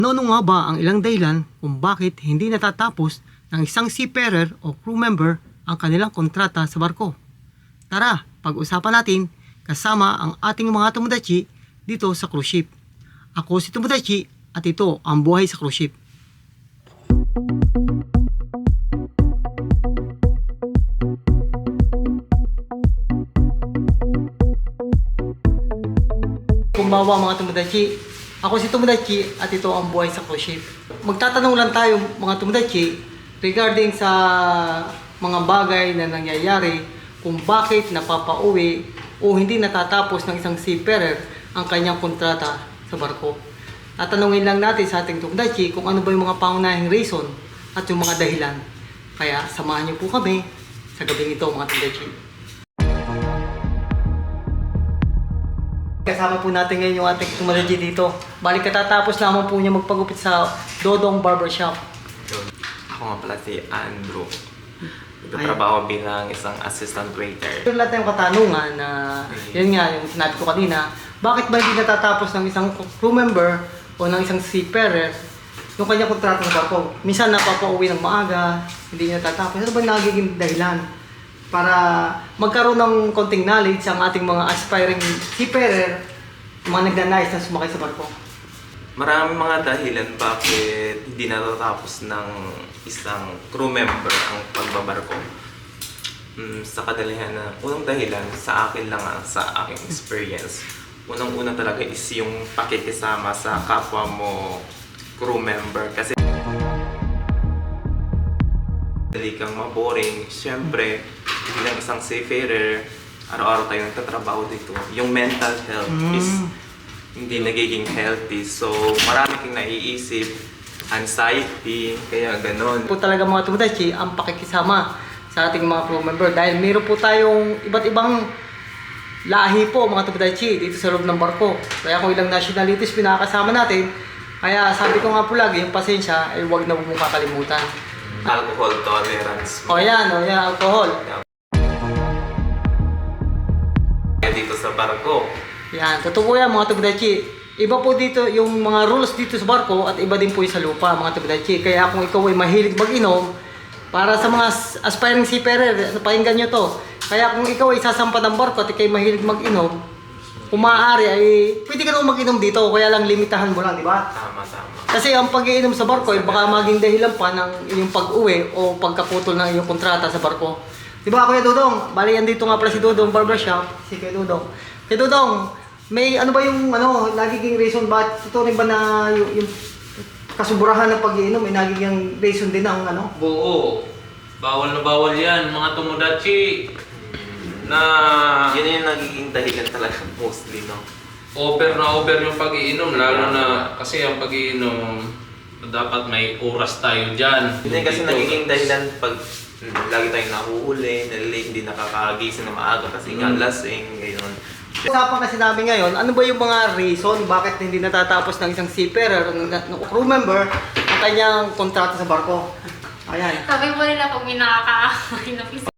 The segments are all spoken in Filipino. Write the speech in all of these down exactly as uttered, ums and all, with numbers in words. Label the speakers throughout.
Speaker 1: Ano nga ba ang ilang dahilan kung bakit hindi natatapos ng isang seafarer o crew member ang kanilang kontrata sa barko? Tara, pag-usapan natin kasama ang ating mga tomodachi dito sa cruise ship. Ako si Tomodachi at ito ang buhay sa cruise ship. Kumbawa mga Tomodachi, ako si Tomodachi at ito ang buhay sa cruise ship. Magtatanong lang tayo mga Tomodachi regarding sa mga bagay na nangyayari kung bakit napapauwi o hindi natatapos ng isang seafarer ang kanyang kontrata sa barko. Tatanungin lang natin sa ating Tomodachi kung ano ba yung mga pangunahing reason at yung mga dahilan. Kaya samahan niyo po kami sa gabing ito mga Tomodachi. Kasama po natin ngayon yung ating Tomodachi dito. Balik katatapos lamang po niya magpagupit sa Dodong Barbershop.
Speaker 2: Ako nga pala si Andrew. Nagtatrabaho bilang isang assistant waiter.
Speaker 1: Yung lahat ng katanungan na, yun nga, yung sinabi ko kanina, bakit ba hindi natatapos ng isang crew member o ng isang seafarer yung kanyang kontrata sa barko? Minsan napapauwi ng maaga, hindi niya natatapos. Ano ba nagiging dahilan para magkaroon ng konting knowledge ang ating mga aspiring seafarer, mga nagnanais na sumakay sa barko?
Speaker 2: Maraming mga dahilan bakit hindi natatapos ng isang crew member ang pagbabarko. Mm, sa kadalihan na, unang dahilan sa akin lang, ah, sa aking experience, unang-una talaga is yung pakikisama sa kapwa mo crew member. Kasi dali kang maboring. Siyempre, bilang isang seafarer, araw-araw tayo nagtatrabaho dito. Yung mental health
Speaker 1: Mm.
Speaker 2: is hindi nagiging healthy. So, marami kang naiisip, anxiety, kaya ganon.
Speaker 1: Po talaga mga Tomodachi ang pakikisama sa ating mga crew member dahil meron po tayong iba't ibang lahi po mga Tomodachi dito sa loob ng barko. Kaya kung ilang nationalities pinakasama natin, kaya sabi ko nga po lagi, yung pasensya ay huwag na huwag mong kakalimutan.
Speaker 2: Alcohol tolerance.
Speaker 1: O yan, o yan, alcohol.
Speaker 2: Kaya dito sa barko,
Speaker 1: Yan, totoo po yan mga Tomodachi. Iba po dito yung mga rules dito sa barko at iba din po yung sa lupa mga Tomodachi. Kaya kung ikaw ay mahilig mag-inom, para sa mga aspiring seafarer, pakinggan nyo to. Kaya kung ikaw ay sasampa ng barko at ikaw ay mahilig mag-inom, kung maaari ay pwede ka naman mag-inom dito, kaya lang limitahan mo lang, di ba?
Speaker 2: tama tama.
Speaker 1: Kasi ang pag-iinom sa barko ay baka maging dahilan pa ng iyong pag-uwi o pagkaputol ng iyong kontrata sa barko. Di ba Kuya Dodong? Bali, andito nga pala si Dodong Barbershop, si Kuya Dodong. Kuya Dodong, may ano ba yung ano, nagiging reason ba, ito rin ba na yung, yung kasuburahan ng pag-iinom, may nagiging reason din ng ano?
Speaker 3: Oo. Bawal na bawal yan, mga Tomodachi. Na
Speaker 2: Yun yung nagiging dahilan talaga mostly, no?
Speaker 3: over na over yung pag-iinom. Lalo na kasi ang pag-iinom, dapat may oras tayo dyan.
Speaker 2: Yun yung kasi
Speaker 3: Dito.
Speaker 2: nagiging dahilan pag mm, lagi tayong nahuhuli, nalilate, hindi nakakagising na maaga kasi nga
Speaker 3: Mm.
Speaker 2: lasing, gayon.
Speaker 1: Usapan kasi namin ngayon, ano ba yung mga reason bakit hindi natatapos ng isang seafarer o ng, ng crew member ang kanyang kontrata sa barko? Ayan.
Speaker 4: Sabi mo nila pag may nakakaaway na pisa.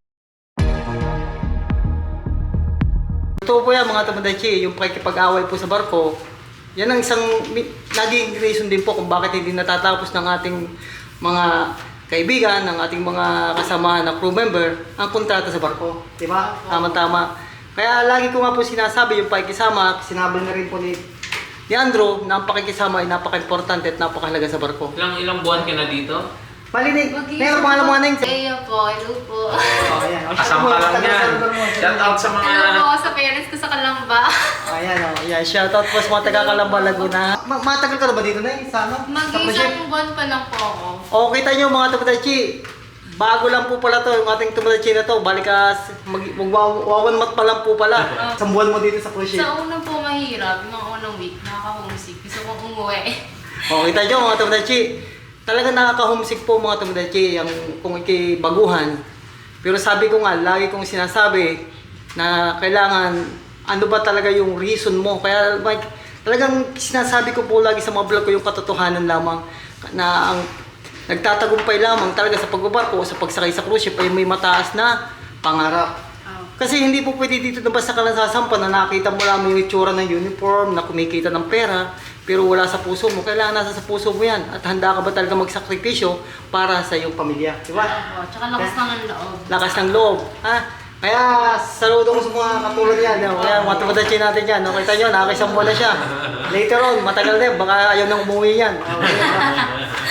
Speaker 1: Totoo po yan mga Tomodachi, yung pakikipag-away po sa barko, yan ang isang mi- naging reason din po kung bakit hindi natatapos ng ating mga kaibigan, ng ating mga kasama na crew member ang kontrata sa barko. Di ba? Tama-tama. Kaya lagi ko nga po sinasabi yung pakikisama, sinabi na rin po ni, ni Andrew na ang pakikisama ay napaka-importante at napakahalaga sa barko.
Speaker 3: Ilang ilang buwan ka na dito?
Speaker 1: Palinig, ngayon pangalan mo nga na yung...
Speaker 4: Eyo po, hello po.
Speaker 1: Oh, ayan.
Speaker 3: Asam pa lang yan. Shout out sa mga...
Speaker 4: Hello po sa parents ko sa Kalamba.
Speaker 1: Ayan o, oh, ayan. Shoutout po sa mga taga-Kalamba, Laguna. Ma matagal ka na ba dito na eh? Sa ano? Sa cruise ship?
Speaker 4: Mag-isang buwan pa lang po ako.
Speaker 1: O, kita nyo mga Tomodachi, bago lang po pala to, yung ating Tomodachi na to, balik ka, mag, magwawan mat pa lang po pala. Isang buwan mo dito sa cruise ship.
Speaker 4: Sa unang po mahirap, yung mga unang week, nakaka-homesick. Gusto kong umuwi.
Speaker 1: O, kita nyo mga Tomodachi, talaga nakaka-homesick po mga Tomodachi, yung kung ikay baguhan. Pero sabi ko nga, lagi kong sinasabi na kailangan, ano ba talaga yung reason mo. Kaya like, talagang sinasabi ko po lagi sa mga vlog ko yung katotohanan lamang na ang nagtatagumpay lamang talaga sa pagbabarko o sa pagsakay sa cruise ship ay may mataas na pangarap. Kasi hindi po pwede dito na basta ka lang sasampa na nakita mo lang yung itsura ng uniform, na kumikita ng pera. pero wala sa puso mo, kailangan nasa sa puso mo yan. At handa ka ba talaga magsakripisyo para sa iyong pamilya, di ba?
Speaker 4: Opo, tsaka lakas
Speaker 1: Kaya-
Speaker 4: ng loob.
Speaker 1: Lakas ng loob, ha? Kaya saludo ko sa mga katulad yan, no? Kaya mga tumadachi natin yan, no? Kita nyo, nakakisang buwan na siya. Later on, matagal din, baka ayaw nang umuwi yan. Okay,